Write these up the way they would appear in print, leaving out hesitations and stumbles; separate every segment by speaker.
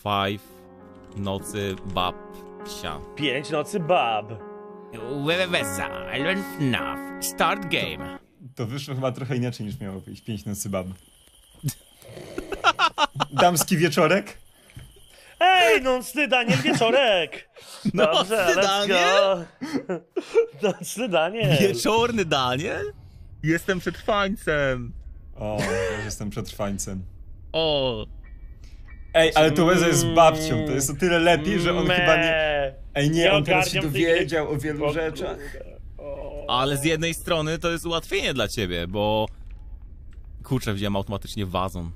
Speaker 1: 5 nocy babcia.
Speaker 2: 5 nocy bab.
Speaker 1: I learn FNAF. Start game.
Speaker 3: To wyszło chyba trochę inaczej niż miało wyjść. 5 nocy bab. Damski wieczorek?
Speaker 2: Ej, nocny Daniel wieczorek! Dobrze,
Speaker 1: Nocny
Speaker 2: let's
Speaker 1: Daniel?
Speaker 2: go. Nocny Daniel.
Speaker 1: Wieczorny Daniel? Jestem przetrwańcem.
Speaker 3: O, ja jestem przetrwańcem.
Speaker 1: O.
Speaker 3: Ej, ale to Łeza jest babcią, to jest o tyle lepiej, że on chyba nie... Ej, nie, on teraz się
Speaker 2: ogarniam tej
Speaker 3: dowiedział o
Speaker 2: gry.
Speaker 3: wielu rzeczach.
Speaker 1: Ale z jednej strony to jest ułatwienie dla ciebie, bo... Kurczę, wziąłem automatycznie wazon.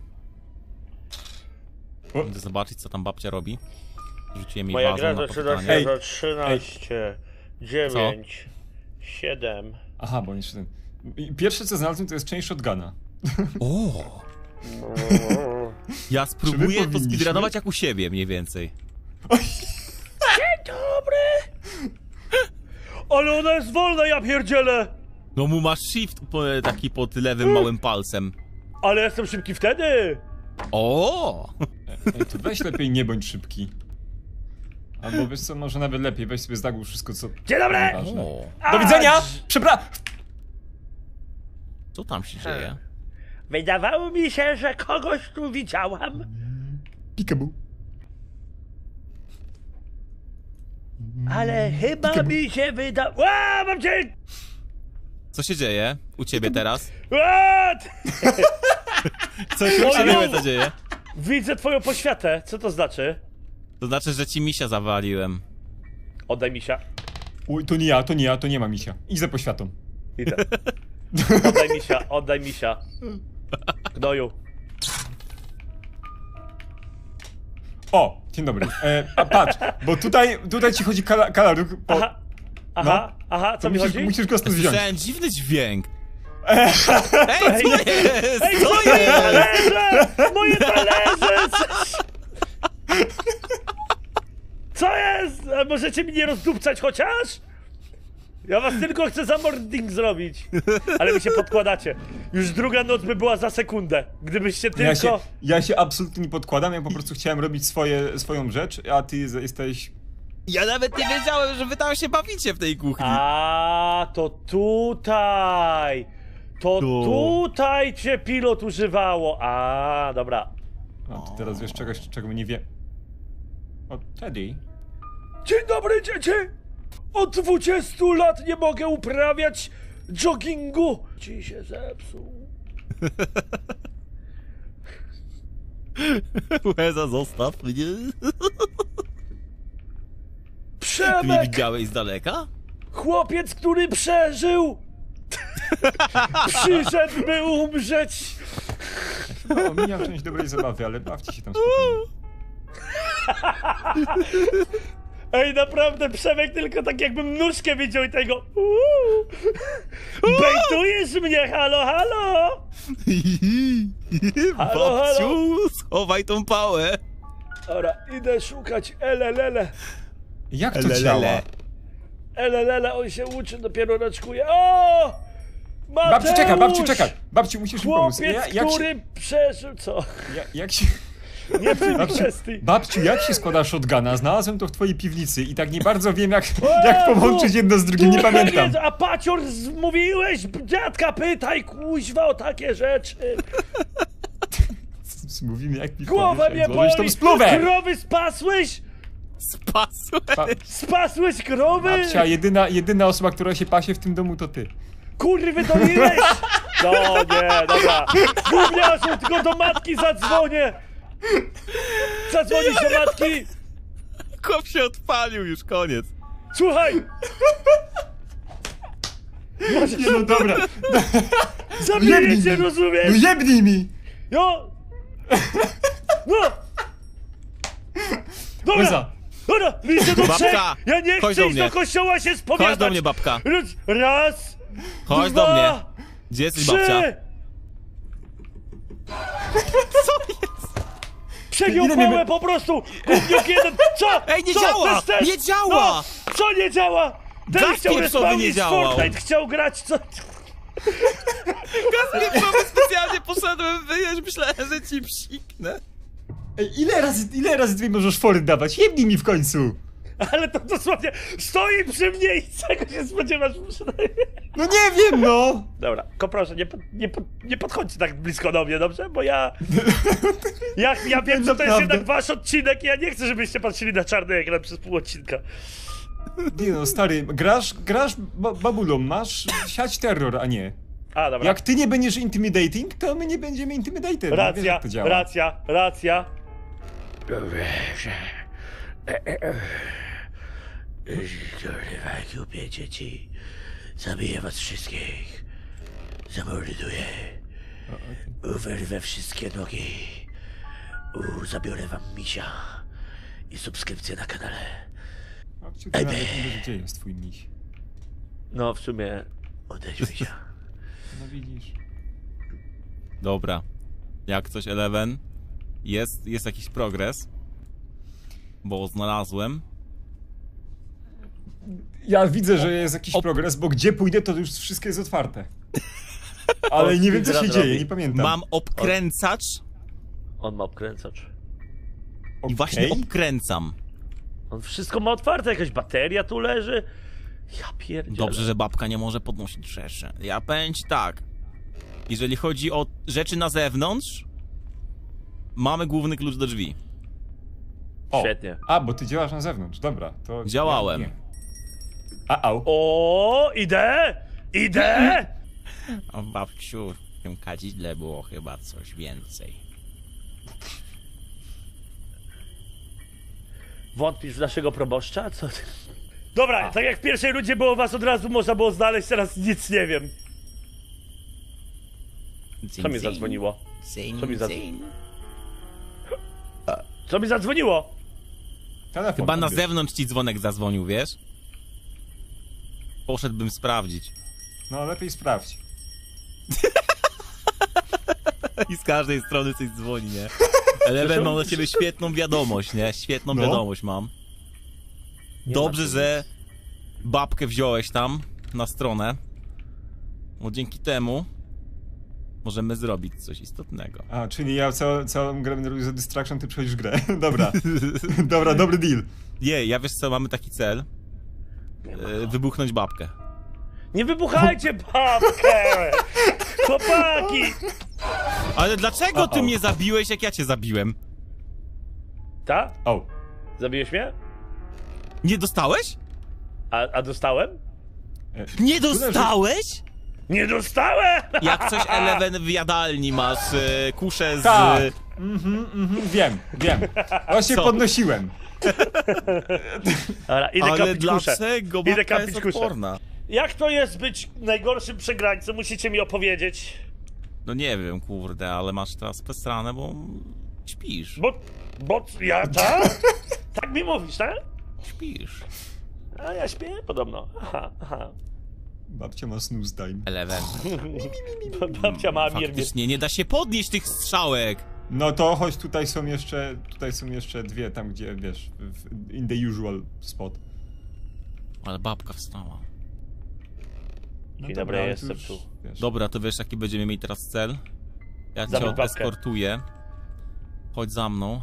Speaker 3: O.
Speaker 1: Będę zobaczyć, co tam babcia robi. Rzuciłem jej
Speaker 2: Moja
Speaker 1: wazon
Speaker 2: gra
Speaker 1: na
Speaker 2: zaczyna
Speaker 1: popytanie.
Speaker 2: się za 13, 9, 7.
Speaker 3: Aha, bo jeszcze ten... I pierwsze co znalazłem to jest część shotguna.
Speaker 1: O! Ja spróbuję to
Speaker 3: powinniśmy?
Speaker 1: speedrunować jak u siebie, mniej więcej.
Speaker 2: Dzień dobry! Ale ona jest wolna, ja pierdzielę!
Speaker 1: No mu masz shift taki pod lewym małym palcem.
Speaker 2: Ale jestem szybki wtedy!
Speaker 1: O!
Speaker 3: Ej, to weź lepiej nie bądź szybki. Albo wiesz co, może nawet lepiej, weź sobie zagłusz wszystko co...
Speaker 2: Dzień dobry!
Speaker 3: ważne.
Speaker 1: O.
Speaker 3: Do widzenia! Przepraszam!
Speaker 1: Co tam się dzieje?
Speaker 2: Wydawało mi się, że kogoś tu widziałam.
Speaker 3: Peekaboo.
Speaker 2: Ale chyba mi się wydało... Mam cię!
Speaker 1: Co się dzieje u ciebie teraz?
Speaker 2: What?
Speaker 1: Co się u ciebie co dzieje?
Speaker 2: Widzę twoją poświatę. Co to znaczy?
Speaker 1: To znaczy, że ci misia zawaliłem.
Speaker 2: Oddaj misia.
Speaker 3: Uj, to nie ma misia. Idź za poświatą.
Speaker 2: Idę. Oddaj misia. Gnoju.
Speaker 3: O, dzień dobry. Patrz, bo tutaj ci chodzi kalaruch po...
Speaker 2: Aha, co
Speaker 3: to
Speaker 2: mi chodzi?
Speaker 3: musisz go stąd wziąć.
Speaker 1: Słyszałem dziwny dźwięk. Ej, co jest?
Speaker 2: Ej,
Speaker 1: Co
Speaker 2: moje
Speaker 1: jest?
Speaker 2: talerze! Moje talerze! Co jest? A możecie mi nie rozdupcać chociaż? Ja was tylko chcę za mording zrobić. Ale mi się podkładacie. Już druga noc by była za sekundę. Gdybyście tylko...
Speaker 3: Ja się absolutnie nie podkładam, ja po prostu chciałem robić swoją rzecz, a ty jesteś...
Speaker 1: Ja nawet nie wiedziałem, że wy tam się bawicie w tej kuchni.
Speaker 2: A, to tutaj. To
Speaker 1: Tu.
Speaker 2: tutaj cię pilot używało. A, dobra.
Speaker 3: A ty teraz wiesz czegoś, czego nie wie... O, Teddy.
Speaker 2: Dzień dobry, dzieci! Od 20 lat nie mogę uprawiać joggingu. Ci się zepsuł.
Speaker 1: Łeza, zostaw mnie. Ty nie
Speaker 2: Przemek!
Speaker 1: widziałeś z daleka?
Speaker 2: Chłopiec, który przeżył! Przyszedł, by umrzeć!
Speaker 3: No, mijam część dobrej zabawy, ale bawcie się tam spokojnie.
Speaker 2: Ej, naprawdę, Przemek tylko tak jakbym nóżkę widział i tego... Bejtujesz mnie, halo, halo! Halo,
Speaker 1: Babciu, schowaj tą pałę.
Speaker 2: Dobra, idę szukać elelele.
Speaker 3: Jak to
Speaker 1: Lelele.
Speaker 3: działa?
Speaker 2: Elelele, on się uczy, dopiero raczkuje. O!
Speaker 3: Babciu, czekaj, babciu,
Speaker 2: Mateusz!
Speaker 3: czekaj! Babciu, musisz mi pomóc.
Speaker 2: Chłopiec,
Speaker 3: Jak
Speaker 2: który przeżył... Co?
Speaker 3: jak się...
Speaker 2: Nie w tej
Speaker 3: Babciu,
Speaker 2: kwestii.
Speaker 3: babciu, jak się składa shotguna? Znalazłem to w twojej piwnicy i tak nie bardzo wiem, jak
Speaker 2: Jezu!
Speaker 3: połączyć jedno z drugim, nie pamiętam.
Speaker 2: A pacior, mówiłeś, dziadka pytaj, kuźwa, o takie rzeczy.
Speaker 3: Mówimy jak
Speaker 2: Głowa mnie
Speaker 3: złożysz tą
Speaker 2: boli.
Speaker 3: spluwę!
Speaker 2: Krowy spasłeś?
Speaker 1: Spasłeś.
Speaker 2: Spasłeś krowy?
Speaker 3: Babcia, jedyna osoba, która się pasie w tym domu, to ty.
Speaker 2: Kurwy, doliłeś? No nie, dobra. Gówniarzu, tylko do matki zadzwonię. Zadzwonisz do matki?
Speaker 1: Kop się odpalił, już koniec.
Speaker 2: Słuchaj.
Speaker 3: Nie no dobra,
Speaker 2: Zabiję cię, rozumiesz?
Speaker 3: no jebnij mi!
Speaker 2: Jo! No! Dobra!
Speaker 3: Łeza.
Speaker 2: Dobra! Liczę do
Speaker 1: Babka,
Speaker 2: trzech! Ja nie
Speaker 1: chodź
Speaker 2: chcę
Speaker 1: do
Speaker 2: iść
Speaker 1: mnie.
Speaker 2: do kościoła się spowiadać!
Speaker 1: Chodź do mnie, babka.
Speaker 2: Raz!
Speaker 1: Chodź
Speaker 2: dwa,
Speaker 1: do mnie. Gdzie jesteś,
Speaker 2: trzy!
Speaker 1: babcia?
Speaker 2: Przegiął
Speaker 3: Ile
Speaker 2: pałę
Speaker 3: mnie-
Speaker 2: po prostu! Gówniuk jeden! Co?
Speaker 1: Ej, nie
Speaker 2: Co?
Speaker 1: działa!
Speaker 2: Też, też?
Speaker 1: Nie działa!
Speaker 2: No, co nie działa? Ten
Speaker 1: Gaz
Speaker 2: chciał
Speaker 1: pieprzowy nie
Speaker 2: respawnić
Speaker 1: działał.
Speaker 2: Fortnite, chciał grać co...
Speaker 1: Gaz pieprzowy specjalnie poszedłem wyjeść, myślałem, że ci psiknę.
Speaker 3: Ej, ile razy ty możesz fory dawać? Jebnij mi w końcu!
Speaker 2: Ale to dosłownie stoi przy mnie i czego się spodziewasz?
Speaker 3: No nie wiem, no!
Speaker 2: Dobra, tylko proszę, nie podchodźcie tak blisko do mnie, dobrze? Bo ja wiem, że to jest jednak wasz odcinek i ja nie chcę, żebyście patrzyli na czarny ekran przez pół odcinka.
Speaker 3: Nie no, stary, grasz babulą, masz siać terror, a nie.
Speaker 2: A, dobra.
Speaker 3: Jak ty nie będziesz intimidating, to my nie będziemy intimidated. No, wiesz, jak to działa.
Speaker 2: Racja. Kurwa, kupię dzieci. Zabiję was wszystkich. Zamorduję. Wyrwę wszystkie nogi. Zabiorę wam misia. I subskrypcję na kanale.
Speaker 3: A kciuki nawet nie wiesz, gdzie jest twój miś.
Speaker 2: No, w sumie odejdź misia.
Speaker 3: No widzisz.
Speaker 1: Dobra. Jak coś Eleven, jest jakiś progres. Bo znalazłem.
Speaker 3: Ja widzę, że jest jakiś progres, bo gdzie pójdę, to już wszystko jest otwarte. Ale nie wiem, co się dzieje, nie pamiętam.
Speaker 1: Mam obkręcacz
Speaker 2: On ma obkręcacz.
Speaker 1: i właśnie obkręcam.
Speaker 2: On wszystko ma otwarte, jakaś bateria tu leży. Ja pierdzielę.
Speaker 1: Dobrze, że babka nie może podnosić rzeczy. Ja powiem ci tak. Jeżeli chodzi o rzeczy na zewnątrz, mamy główny klucz do drzwi.
Speaker 3: O.
Speaker 2: Świetnie.
Speaker 3: A, bo ty działasz na zewnątrz, dobra. To
Speaker 1: Działałem.
Speaker 3: Nie. Au.
Speaker 2: O, idę!
Speaker 1: A babciu, w tym kadzidle było chyba coś więcej.
Speaker 2: Wątpisz w naszego proboszcza? Co ty? Dobra, tak jak w pierwszej rundzie było was od razu można było znaleźć, teraz nic nie wiem. Co mi zadzwoniło? Co mi zadzwoniło?
Speaker 3: Telefon
Speaker 1: Chyba na
Speaker 3: odbierz.
Speaker 1: zewnątrz ci dzwonek zadzwonił, wiesz? Poszedłbym sprawdzić.
Speaker 3: No, lepiej sprawdź.
Speaker 1: I z każdej strony coś dzwoni, nie? Eleven, mam dla ciebie świetną wiadomość, nie? Świetną
Speaker 3: No.
Speaker 1: wiadomość mam. Dobrze, że babkę wziąłeś tam na stronę. Bo dzięki temu możemy zrobić coś istotnego.
Speaker 3: A, czyli ja całą grę będę robił za distraction, ty przechodzisz grę. Dobra. Dobra, dobry deal.
Speaker 1: Ja wiesz co, mamy taki cel. Wybuchnąć babkę.
Speaker 2: Nie wybuchajcie babkę! Chłopaki!
Speaker 1: Ale dlaczego ty mnie zabiłeś, jak ja cię zabiłem?
Speaker 2: Ta?
Speaker 3: O.
Speaker 2: Zabiłeś mnie?
Speaker 1: Nie dostałeś?
Speaker 2: A dostałem?
Speaker 1: Nie dostałeś?
Speaker 2: Nie dostałem!
Speaker 1: Jak coś Eleven w jadalni masz kuszę z...
Speaker 3: Tak. Wiem. Właśnie
Speaker 1: Co?
Speaker 3: podnosiłem.
Speaker 2: Dobra, idę
Speaker 1: Ale
Speaker 2: kapić kuszę.
Speaker 1: dlaczego
Speaker 2: Idę
Speaker 1: babka
Speaker 2: kapić
Speaker 1: jest
Speaker 2: kuszę.
Speaker 1: odporna?
Speaker 2: Jak to jest być najgorszym przegrańcą? Musicie mi opowiedzieć.
Speaker 1: No nie wiem, kurde, ale masz teraz pesranę, bo śpisz.
Speaker 2: Bo ja tak? Tak mi mówisz, tak?
Speaker 1: Śpisz.
Speaker 2: A ja śpię podobno. Aha.
Speaker 3: Babcia ma snooze time.
Speaker 1: Eleven.
Speaker 2: Babcia ma mir.
Speaker 1: Faktycznie nie da się podnieść tych strzałek.
Speaker 3: No to chodź, tutaj są jeszcze dwie, tam gdzie, wiesz, in the usual spot.
Speaker 1: Ale babka wstała.
Speaker 3: No
Speaker 2: Dzień
Speaker 3: dobra,
Speaker 2: dobry,
Speaker 3: ale
Speaker 2: jestem
Speaker 3: już,
Speaker 2: tu.
Speaker 3: wiesz.
Speaker 1: Dobra, to wiesz jaki będziemy mieli teraz cel? Ja cię
Speaker 2: Zabić babkę.
Speaker 1: eskortuję. Chodź za mną.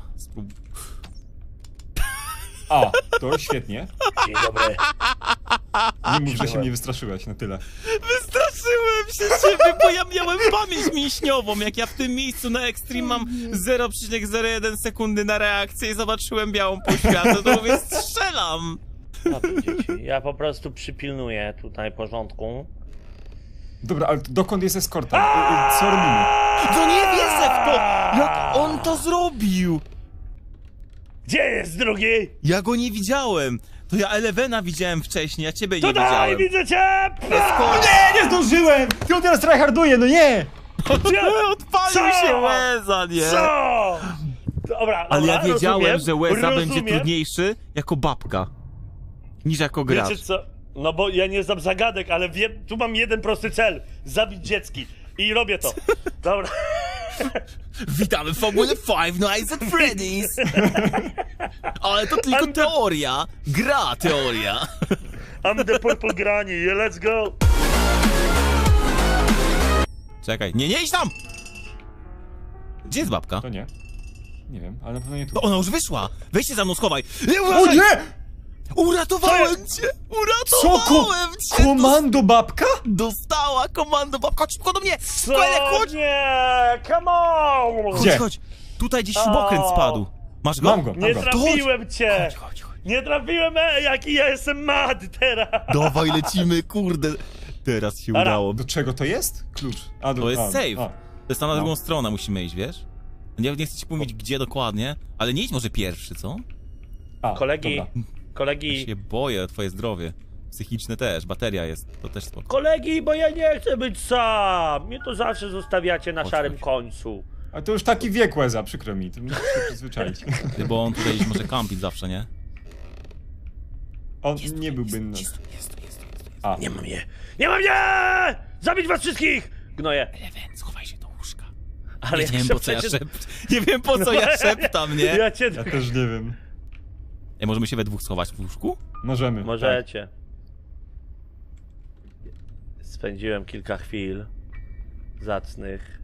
Speaker 3: A, to świetnie.
Speaker 2: Dzień dobry.
Speaker 3: Nie mów, że się mnie wystraszyłeś, na tyle.
Speaker 1: Wystraszyłem się ciebie, bo ja miałem pamięć mięśniową. Jak ja w tym miejscu na Extreme mam 0,01 sekundy na reakcję i zobaczyłem białą poświatę, to mówię, strzelam.
Speaker 2: Dobrze, dzieci. Ja po prostu przypilnuję tutaj porządku.
Speaker 3: Dobra, ale dokąd jest eskorta? Co robimy?
Speaker 1: To nie wierzę w to! Jak on to zrobił?
Speaker 2: Gdzie jest drugi?
Speaker 1: Ja go nie widziałem. To ja Elevena widziałem wcześniej, a ciebie nie
Speaker 2: Tutaj,
Speaker 1: widziałem.
Speaker 2: widzę cię!
Speaker 3: Nie zdążyłem! Ty on teraz tryharduje, no nie!
Speaker 1: Odpalił
Speaker 2: Co?
Speaker 1: się Łeza, nie?
Speaker 2: Co? Dobra,
Speaker 1: Ale ja
Speaker 2: dobra,
Speaker 1: wiedziałem, że Łeza będzie
Speaker 2: rozumiem.
Speaker 1: trudniejszy jako babka. Niż jako gracz.
Speaker 2: Wiecie co? No bo ja nie znam zagadek, ale wiem, tu mam jeden prosty cel. Zabić dziecki. I robię to. Dobra.
Speaker 1: Witamy w formule Five Nights at Freddy's! Ale to tylko teoria. Gra teoria.
Speaker 2: I'm the purple granny, let's go!
Speaker 1: Czekaj, nie idź tam! Gdzie jest babka?
Speaker 3: To nie. Nie wiem, ale na pewno nie tu.
Speaker 1: To ona już wyszła! Weź się za mną, schowaj!
Speaker 3: O nie!
Speaker 1: Uratowałem cię!
Speaker 3: Co?
Speaker 1: Uratowałem cię!
Speaker 3: Komando babka?
Speaker 1: Dostała komando, babka, chodź szybko do mnie!
Speaker 2: Co?
Speaker 1: Chodź!
Speaker 2: Nie! Come on!
Speaker 3: Gdzie?
Speaker 1: Chodź! Tutaj gdzieś śrubokręt spadł. Masz go?
Speaker 3: Mam go,
Speaker 2: Nie
Speaker 3: mam go.
Speaker 2: trafiłem cię!
Speaker 1: Chodź.
Speaker 2: Nie trafiłem, jaki ja jestem mad teraz!
Speaker 1: Dawaj, lecimy, kurde. Teraz się
Speaker 2: Dobra.
Speaker 1: udało.
Speaker 3: Do czego to jest? Klucz. A,
Speaker 1: To jest save.
Speaker 3: a.
Speaker 1: To jest tam na
Speaker 3: No.
Speaker 1: drugą stronę musimy iść, wiesz? Nie chcę ci mówić gdzie dokładnie, ale nie idź może pierwszy, co?
Speaker 3: A,
Speaker 2: Kolegi,
Speaker 3: dobra.
Speaker 1: Ja
Speaker 2: kolegi,
Speaker 1: się boję o twoje zdrowie. Psychiczne też, bateria jest, to też spoko.
Speaker 2: kolegi, bo ja nie chcę być sam! Mnie to zawsze zostawiacie na
Speaker 1: Chodź,
Speaker 2: szarym
Speaker 1: chodź.
Speaker 2: końcu.
Speaker 3: A to już taki wiek Łeza, przykro mi, to musisz się przyzwyczaić.
Speaker 1: Bo on tutaj może kampić zawsze, nie?
Speaker 3: On nie byłby...
Speaker 1: Jest.
Speaker 3: A,
Speaker 2: Nie mam je! Nie mam je! Zabić was wszystkich! Gnoję.
Speaker 1: Eleven, schowaj się do łóżka.
Speaker 2: Ale
Speaker 1: Nie wiem
Speaker 2: jak
Speaker 1: po co ja
Speaker 2: przecież-
Speaker 1: Nie wiem po co ja szeptam, nie?
Speaker 2: Ja cię...
Speaker 3: ja też nie wiem.
Speaker 1: Ej, możemy się we dwóch schować w łóżku?
Speaker 3: Możemy.
Speaker 2: Możecie. Spędziłem kilka chwil zacnych.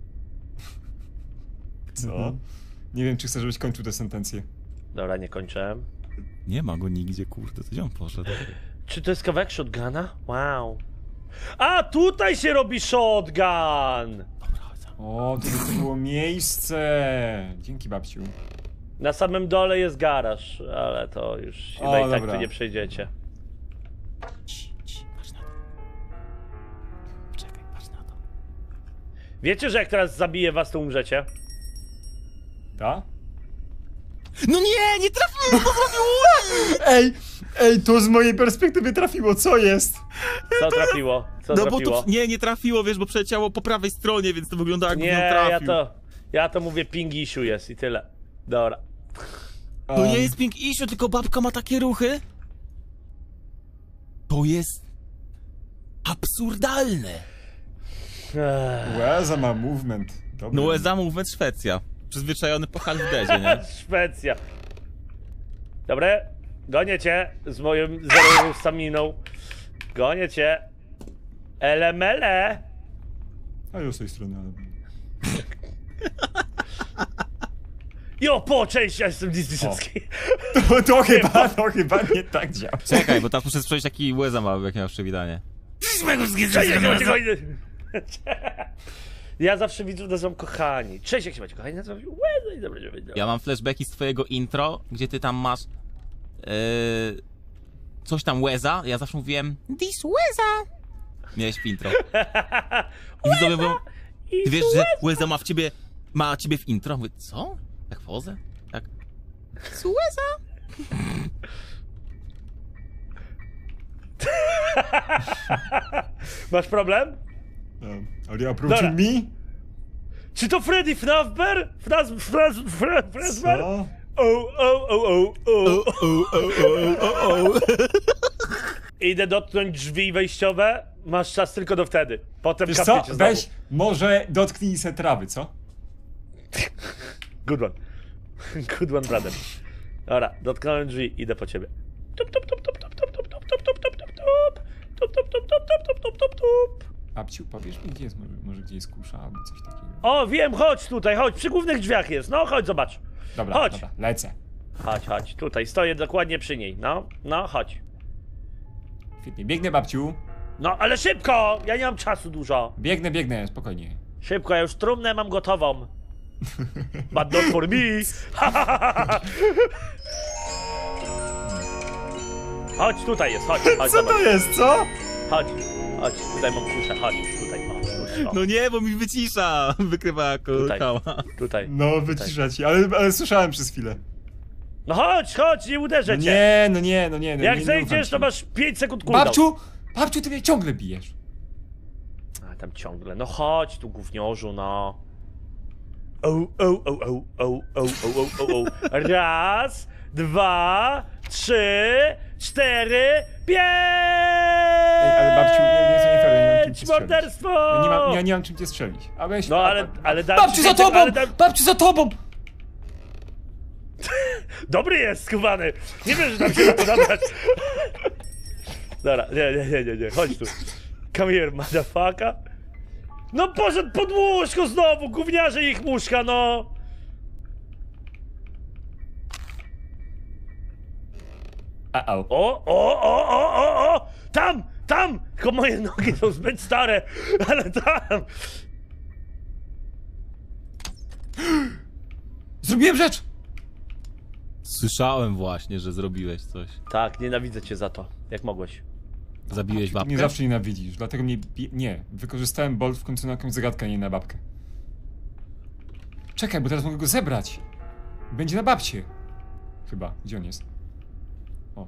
Speaker 3: Tak. Co? Nie wiem, czy chcesz, żebyś kończył tę sentencję.
Speaker 2: Dobra, nie kończę.
Speaker 1: Nie ma go nigdzie, kurde, to gdzie on poszedł?
Speaker 2: Czy to jest kawałek shotguna? Wow. A, tutaj się robi shotgun!
Speaker 1: Dobra, chodź za mną.
Speaker 3: O, to było miejsce. Dzięki, babciu.
Speaker 2: Na samym dole jest garaż, ale to już chyba
Speaker 3: O,
Speaker 2: i tak
Speaker 3: dobra.
Speaker 2: tu nie przejdziecie.
Speaker 1: Patrz na to. Czekaj, patrz na to.
Speaker 2: Wiecie, że jak teraz zabiję was, to umrzecie?
Speaker 3: Ta?
Speaker 1: No nie trafiłem, to zrobił!
Speaker 3: Ej, to z mojej perspektywy trafiło, co jest?
Speaker 2: Co trafiło? Co
Speaker 1: No bo
Speaker 2: trafiło?
Speaker 1: to nie trafiło, wiesz, bo przeleciało po prawej stronie, więc to wygląda jakby
Speaker 2: Nie,
Speaker 1: ją trafił.
Speaker 2: ja to mówię ping issue jest i tyle. Dobra.
Speaker 1: To nie jest pink issue, tylko babka ma takie ruchy. To jest absurdalne.
Speaker 3: Łeza ma movement. Dobry.
Speaker 1: No USA Movement Szwecja. Przyzwyczajony po Halfdezie, nie?
Speaker 2: Szwecja. Dobre, gonię cię z moją zerową staminą. Gonię cię. Elemele.
Speaker 3: A ja z tej strony, ale...
Speaker 2: Jo, po, cześć, ja jestem Disneyowski.
Speaker 3: To chyba nie tak działa.
Speaker 1: Czekaj, bo teraz muszę sprawdzić jaki USA ma, jak miał przywitanie.
Speaker 2: Cześć, jak się macie kochani. Ja zawsze widzów nazywam kochani. Cześć, jak się macie kochani, nazywam się Łeza i dobra,
Speaker 1: Ja mam flashbacki z twojego intro, gdzie ty tam masz coś tam Łeza, ja zawsze mówiłem This Łeza. Miałeś w intro. I widzowie mówią, ty wiesz, że Łeza ma ciebie w intro? Mówię, co? Tak pozę? Tak. This Łeza?
Speaker 2: Masz problem?
Speaker 3: Are you approaching
Speaker 2: Dobra.
Speaker 3: me?
Speaker 2: Czy to Freddy Fnafber? Frazber?
Speaker 3: Co?
Speaker 2: Idę dotknąć drzwi wejściowe. Masz czas tylko do wtedy. Potem
Speaker 3: Wiesz co?
Speaker 2: kapniecie znowu.
Speaker 3: Weź, może dotknij se trawy, co?
Speaker 2: Good one. Good one, brother. Dobra, dotknąłem drzwi, idę po ciebie. Tup, tup, tup, tup, tup, tup, tup, tup, tup, tup, tup, tup, tup. Tup, tup, tup, tup, tup, tup, tup, tup, tup.
Speaker 3: Babciu, powiesz mi, gdzie jest, może gdzie jest kusza albo coś takiego.
Speaker 2: O, wiem, chodź tutaj, chodź, przy głównych drzwiach jest. No, chodź, zobacz.
Speaker 3: Dobra,
Speaker 2: chodź.
Speaker 3: dobra, lecę.
Speaker 2: Chodź, tutaj, stoję dokładnie przy niej. No, chodź.
Speaker 3: Świetnie, biegnę, babciu.
Speaker 2: No, ale szybko! Ja nie mam czasu dużo.
Speaker 3: Biegnę, spokojnie.
Speaker 2: Szybko, ja już trumnę mam gotową. But not for me. Chodź, tutaj jest, chodź,
Speaker 3: Co
Speaker 2: zobacz.
Speaker 3: to jest, co?
Speaker 2: Chodź, tutaj mam kuszę, chodź, tutaj, o.
Speaker 1: No nie, bo mi wycisza. Wykrywa jako
Speaker 2: Tutaj.
Speaker 1: kała.
Speaker 2: Tutaj.
Speaker 3: No, wycisza ci, ale słyszałem przez chwilę.
Speaker 2: No chodź, nie uderzę
Speaker 3: No
Speaker 2: cię.
Speaker 3: nie.
Speaker 2: Jak
Speaker 3: nie
Speaker 2: zejdziesz, to
Speaker 3: ufam
Speaker 2: masz 5 sekund cooldown.
Speaker 3: Babciu, ty mnie ciągle bijesz.
Speaker 2: A tam ciągle, no chodź tu gówniorzu, no. O. Raz, 2, 3, 4, 5!
Speaker 3: Ej, ale babciu, nie są nie fair, ja nie mam czym cię strzelić.
Speaker 2: Morderstwo!
Speaker 3: Ja nie mam czym cię strzelić. A weź...
Speaker 2: No ale dam
Speaker 3: Babciu
Speaker 2: ci
Speaker 3: za
Speaker 2: więcej,
Speaker 3: tobą!
Speaker 2: ale dam-
Speaker 3: Babciu za tobą!
Speaker 2: Dobry jest, skubany! Nie wiem, że tam się da to nabrać. Dobra, nie, chodź tu. Come here, motherfucker. No poszedł pod łóżko znowu, gówniarze ich muszka, no!
Speaker 3: Uh-oh.
Speaker 2: O! Tam! Tylko moje nogi są zbyt stare, ale tam!
Speaker 3: Zrobiłem rzecz!
Speaker 1: Słyszałem właśnie, że zrobiłeś coś.
Speaker 2: Tak, nienawidzę cię za to. Jak mogłeś?
Speaker 1: Zabiłeś
Speaker 3: Ty
Speaker 1: babkę?
Speaker 3: mnie zawsze nienawidzisz, dlatego mnie... Nie, wykorzystałem bolt w końcu na jakąś zagadkę, a nie na babkę. Czekaj, bo teraz mogę go zebrać. Będzie na babcie. Chyba. Gdzie on jest? O.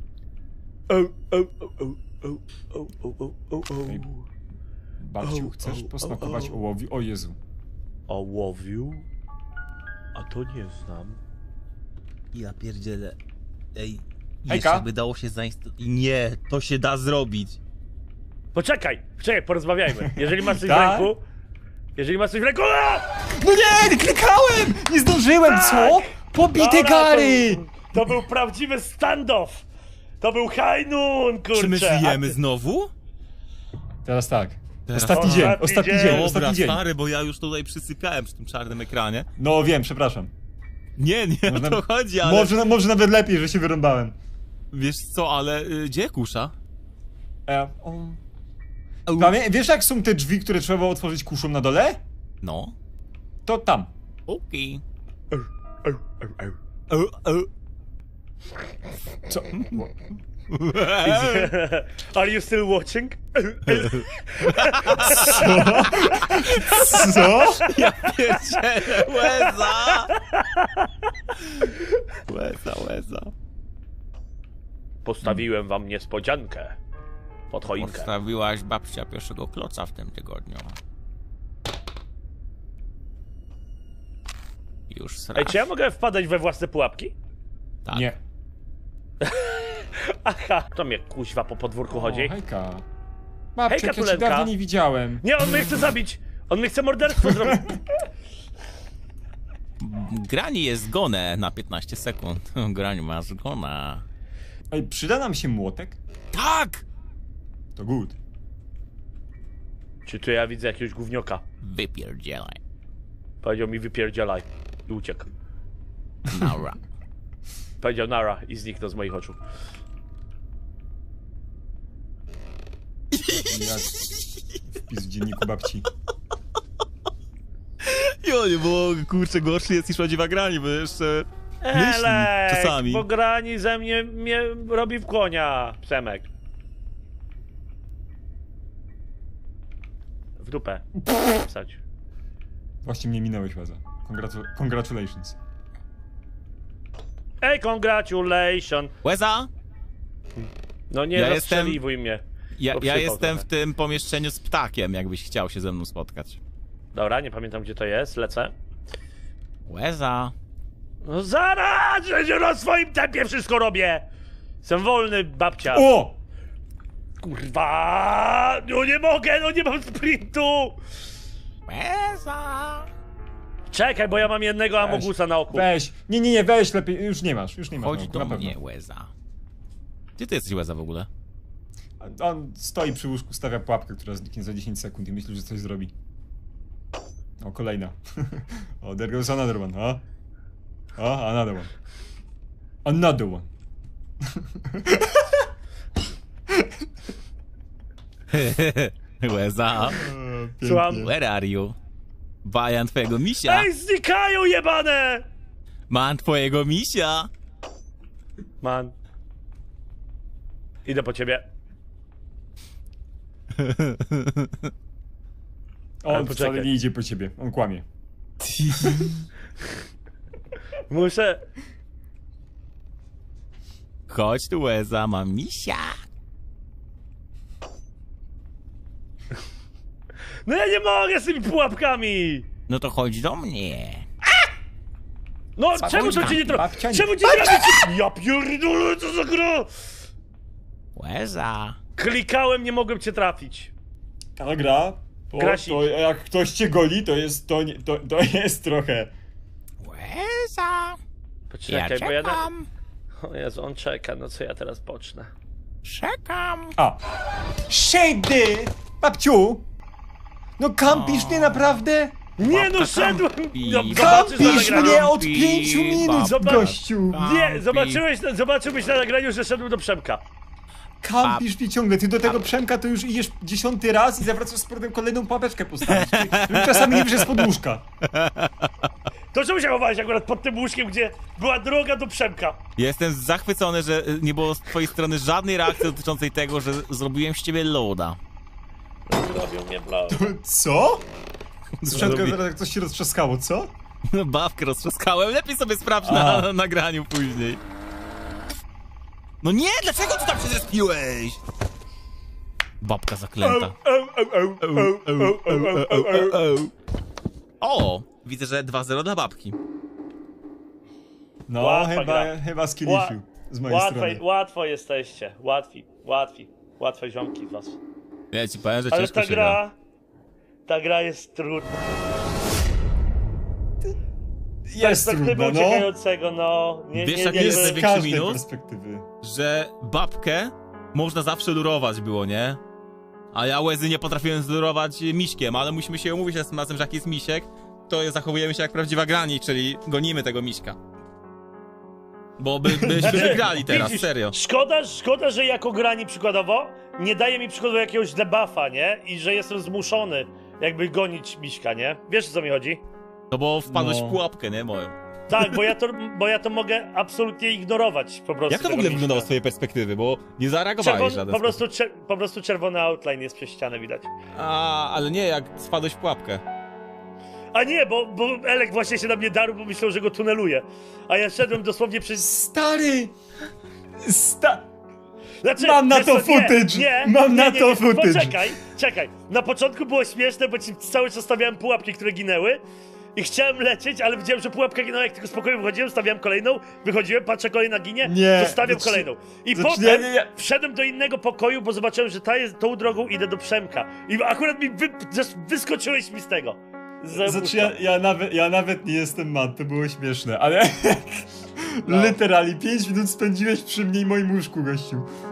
Speaker 3: Ej, babciu, chcesz posmakować ołowiu? O Jezu.
Speaker 2: Ołowiu? A to nie znam.
Speaker 1: Ja pierdzielę. Ej,
Speaker 3: Hejka.
Speaker 1: jeszcze by dało się zainstalować. Nie, to się da zrobić.
Speaker 2: Poczekaj, porozmawiajmy. Jeżeli masz coś w
Speaker 3: Tak?
Speaker 2: ręku... Jeżeli masz coś w ręku... A!
Speaker 3: No nie, klikałem! Nie zdążyłem, co? Pobite
Speaker 2: Dobra,
Speaker 3: gary!
Speaker 2: To był prawdziwy standoff! To był high noon, kurczę!
Speaker 1: Czy my
Speaker 2: A
Speaker 1: żyjemy
Speaker 2: ty-
Speaker 1: znowu?
Speaker 3: Teraz tak.
Speaker 1: Teraz
Speaker 3: Ostatni
Speaker 2: tak.
Speaker 3: dzień,
Speaker 2: Ostatni
Speaker 3: ostatni
Speaker 2: dzień.
Speaker 3: dzień,
Speaker 1: Dobra,
Speaker 3: ostatni dzień.
Speaker 1: stary, bo ja już tutaj przysypiałem przy tym czarnym ekranie.
Speaker 3: No wiem, przepraszam.
Speaker 1: Nie o
Speaker 3: Można-
Speaker 1: to chodzi, ale...
Speaker 3: Może nawet lepiej, że się wyrąbałem.
Speaker 1: Wiesz co, ale gdzie kusza?
Speaker 3: Wiesz jak są te drzwi, które trzeba otworzyć kuszą na dole?
Speaker 1: No.
Speaker 3: To tam.
Speaker 1: Okej.
Speaker 3: Co?
Speaker 2: Are you still watching?
Speaker 3: Co?
Speaker 1: Ja pierdzielę, łeza! Łeza.
Speaker 2: Postawiłem wam niespodziankę. Pod choinkę.
Speaker 1: Postawiłaś babcia pierwszego kloca w tym tygodniu. Już
Speaker 2: Ej,
Speaker 1: srasz.
Speaker 2: czy ja mogę wpadać we własne pułapki?
Speaker 1: Tak.
Speaker 3: Nie.
Speaker 2: Aha, to mnie kuźwa po podwórku chodzi.
Speaker 3: O, hejka. Babciu,
Speaker 2: Hejka,
Speaker 3: jak ja cię
Speaker 2: Tulenka.
Speaker 3: dawno nie widziałem.
Speaker 2: Nie, on mnie chce zabić! On mnie chce morderstwo zrobić!
Speaker 1: Grani jest zgonę na 15 sekund. Grani ma zgona.
Speaker 3: Ej, przyda nam się młotek?
Speaker 1: Tak!
Speaker 3: To good.
Speaker 2: Czy tu ja widzę jakiegoś gównioka?
Speaker 1: Wypierdzielaj.
Speaker 2: Powiedział mi wypierdzielaj. I uciekł.
Speaker 1: Nara.
Speaker 2: Powiedział nara i zniknął z moich oczu.
Speaker 3: Jak wpis w dzienniku babci.
Speaker 1: Jo, nie mogę, kurczę, gorszy jest niż prawdziwa Grani, bo jeszcze...
Speaker 2: Elek,
Speaker 1: czasami.
Speaker 2: bo Grani ze mnie robi w konia, Przemek. W dupę. Wsadź.
Speaker 3: Właśnie mnie minąłeś, Łaza. Congratulations.
Speaker 2: Ej, congratulations!
Speaker 1: Łeza!
Speaker 2: No nie
Speaker 1: Ja
Speaker 2: rozstrzeliwuj mnie.
Speaker 1: Ja
Speaker 2: Poprzypał
Speaker 1: jestem
Speaker 2: trochę.
Speaker 1: w tym pomieszczeniu z ptakiem, jakbyś chciał się ze mną spotkać.
Speaker 2: Dobra, nie pamiętam gdzie to jest, lecę.
Speaker 1: Łeza!
Speaker 2: No zaraz! Że na swoim tempie wszystko robię! Jestem wolny, babcia.
Speaker 3: O!
Speaker 2: Kurwa! No nie mogę, no nie mam sprintu!
Speaker 1: Łeza!
Speaker 2: Czekaj, bo ja mam jednego Amogusa na oku.
Speaker 3: Weź. Nie, weź lepiej. Już nie masz.
Speaker 1: Chodź
Speaker 3: no,
Speaker 1: do
Speaker 3: na pewno.
Speaker 1: mnie, Łeza. Gdzie ty jesteś, Łeza, w ogóle?
Speaker 3: On stoi przy łóżku, stawia pułapkę, która zniknie za 10 sekund i myśli, że coś zrobi. O, kolejna. O, there goes another one, huh? O, another one. Another one.
Speaker 1: Łeza!
Speaker 2: Słucham?
Speaker 1: Where are you? Bajan twojego misia!
Speaker 2: Ej, znikają jebane!
Speaker 1: Mam twojego misia!
Speaker 2: Man. Idę po ciebie.
Speaker 3: On
Speaker 2: poczekaj.
Speaker 3: wcale nie idzie po ciebie, on kłamie.
Speaker 2: Muszę...
Speaker 1: Chodź tu, Łeza, mam misia!
Speaker 2: No ja nie mogę z tymi pułapkami!
Speaker 1: No to chodź do mnie!
Speaker 2: No, czemu to cię nie
Speaker 3: babcia
Speaker 2: trafi?
Speaker 3: nie-
Speaker 2: Czemu cię nie trafi? Ja pierdolę, co za gra!
Speaker 1: Łeza!
Speaker 2: Klikałem, nie mogłem cię trafić.
Speaker 3: Ta gra,
Speaker 2: Grasi.
Speaker 3: to jak ktoś cię goli, to jest, to jest trochę...
Speaker 1: Łeza! Ja
Speaker 2: Poczekaj, bo ja...
Speaker 1: czekam!
Speaker 2: O Jezu, on czeka, no co ja teraz pocznę?
Speaker 1: Czekam!
Speaker 3: A. Shady! Babciu! No kampisz mnie naprawdę?
Speaker 2: Nie no,
Speaker 1: Babka
Speaker 2: szedłem!
Speaker 1: kampi.
Speaker 2: No, zobaczysz na
Speaker 3: Kampisz
Speaker 2: nagraniu.
Speaker 3: mnie od 5 minut,
Speaker 2: Zobacz.
Speaker 3: gościu!
Speaker 2: Nie, zobaczyłbyś na nagraniu, że szedłem do Przemka.
Speaker 3: Kampisz mnie ciągle, ty do tego Przemka to już idziesz 10. raz i zawracasz z powrotem kolejną pułapeczkę postawić. Ty czasami nie wiesz pod łóżka.
Speaker 2: To czemu się chowałeś akurat pod tym łóżkiem, gdzie była droga do Przemka?
Speaker 1: Jestem zachwycony, że nie było z twojej strony żadnej reakcji dotyczącej tego, że zrobiłem z ciebie loada.
Speaker 2: Robią mnie blau.
Speaker 3: Co? Z Przemka
Speaker 1: Zrobi-
Speaker 3: zaraz jak coś się roztrzaskało, co?
Speaker 1: No babkę roztrzaskałem, lepiej sobie sprawdź
Speaker 3: A.
Speaker 1: na nagraniu później. No nie, dlaczego tu tam się zrespiłeś? Babka zaklęta. O, widzę, że 2-0 dla babki.
Speaker 3: No,
Speaker 2: Łatwa gra.
Speaker 3: chyba skilliszu z mojej strony.
Speaker 2: Łatwo jesteście. Łatwe ziomki z was.
Speaker 1: Ja ci powiem, że
Speaker 2: Ale
Speaker 1: ciężko
Speaker 2: ta
Speaker 1: się gra.
Speaker 2: gra jest trudna.
Speaker 3: Jest
Speaker 2: Perspektywy
Speaker 3: trudno, no.
Speaker 2: uciekającego, no.
Speaker 1: Wiesz, jak
Speaker 2: nie,
Speaker 1: jest
Speaker 3: Z
Speaker 1: największy
Speaker 3: każdej
Speaker 1: minus?
Speaker 3: perspektywy.
Speaker 1: Że babkę można zawsze lurować było, nie? A ja Łezy nie potrafiłem zlurować miśkiem, ale musimy się umówić razem, że jak jest misiek, to zachowujemy się jak prawdziwa grani, czyli gonimy tego miśka. Bo byśmy wygrali teraz,
Speaker 2: Widzisz,
Speaker 1: serio.
Speaker 2: Szkoda, że jako grani przykładowo nie daje mi przykładowo jakiegoś debuffa, nie? I że jestem zmuszony jakby gonić miśka, nie? Wiesz, o co mi chodzi?
Speaker 1: No bo wpadłeś
Speaker 3: No.
Speaker 1: w pułapkę, nie? Moją.
Speaker 2: Tak, bo ja to mogę absolutnie ignorować po prostu.
Speaker 1: Jak to w
Speaker 2: tego
Speaker 1: ogóle
Speaker 2: miśka.
Speaker 1: wyglądało z twojej perspektywy? Bo nie zareagowałeś w żaden sposób.
Speaker 2: po prostu czerwony outline jest przez ścianę widać.
Speaker 1: A, ale nie, jak spadłeś w pułapkę.
Speaker 2: A nie, bo Elek właśnie się na mnie darł, bo myślał, że go tuneluje. A ja szedłem dosłownie przez...
Speaker 3: Stary!
Speaker 2: Znaczy,
Speaker 3: Mam na
Speaker 2: wiesz
Speaker 3: to
Speaker 2: co,
Speaker 3: footage! Mam na to footage!
Speaker 2: Czekaj. Na początku było śmieszne, bo ci cały czas stawiałem pułapki, które ginęły. I chciałem lecieć, ale widziałem, że pułapka ginęła, jak tylko spokojnie wychodziłem, stawiałem kolejną, wychodziłem, patrzę, kolejna ginie,
Speaker 3: Nie,
Speaker 2: to stawiam
Speaker 3: znaczy-
Speaker 2: kolejną. I
Speaker 3: znaczy,
Speaker 2: potem
Speaker 3: nie.
Speaker 2: wszedłem do innego pokoju, bo zobaczyłem, że tą drogą idę do Przemka. I akurat mi wyskoczyłeś mi z tego.
Speaker 3: Znaczy ja nawet nie jestem mad, to było śmieszne, ale literalnie 5 minut spędziłeś przy mnie i moim łóżku, gościu.